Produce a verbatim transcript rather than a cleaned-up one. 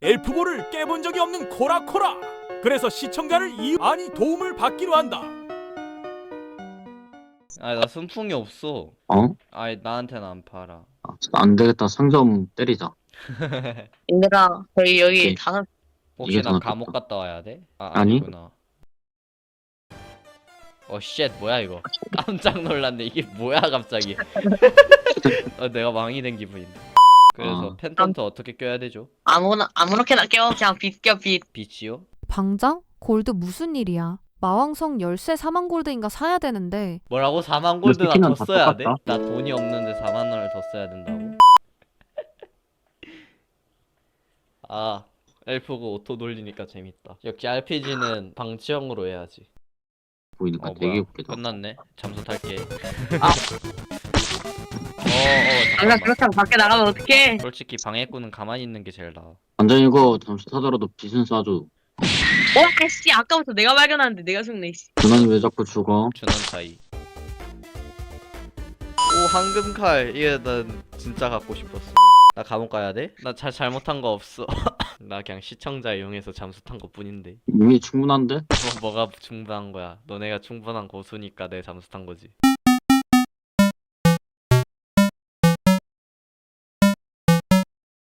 엘프볼을 깨본 적이 없는 코라코라. 그래서 시청자를 이 아니 도움을 받기로 한다. 아니 나 순풍이 없어. 어? 아니 나한테는 안 팔아. 아, 안 되겠다. 상점 때리자. 얘들아, 저희 여기 오케이. 다섯, 혹시 이게 나 더 감옥 낫겠다. 갔다 와야 돼? 아 아니. 아니구나. 어 쉣 뭐야 이거. 깜짝 놀랐네. 이게 뭐야 갑자기. 어, 내가 왕이 된 기분인데. 그래서 어. 펜턴트 어떻게 껴야 되죠? 아무나, 아무렇게나 껴. 그냥 빛 껴, 빛. 빛이요? 방장? 골드 무슨 일이야? 마왕성 열쇠 사만 골드인가 사야 되는데 뭐라고? 사만 골드나 스킨은 더 다 써야 돼? 똑같다. 나 돈이 없는데 사만 원을 더 써야 된다고? 아 엘프고 오토 돌리니까 재밌다. 역시 알피지는 방치형으로 해야지. 보이니까 어 되게 뭐야 웃기다. 끝났네. 잠수 탈게. 아. 어어 아까 잠깐만. 그렇다고 밖에 나가면 어떡해. 솔직히 방해꾼은 가만히 있는 게 제일 나아. 완전 이거 잠시 타더라도 빛은 쏴줘. 어, 씨, 아까부터 내가 발견하는데 내가 죽네, 씨. 그만 왜 자꾸 죽어? 준원 차이. 오 황금칼. 이게 난 진짜 갖고 싶었어. 나 감옥 가야 돼? 나 잘 잘못한 거 없어. 나 그냥 시청자 이용해서 잠수 탄 것 뿐인데. 이미 충분한데? 뭐, 뭐가 충분한 거야? 너네가 충분한 고수니까 내 잠수 탄 거지.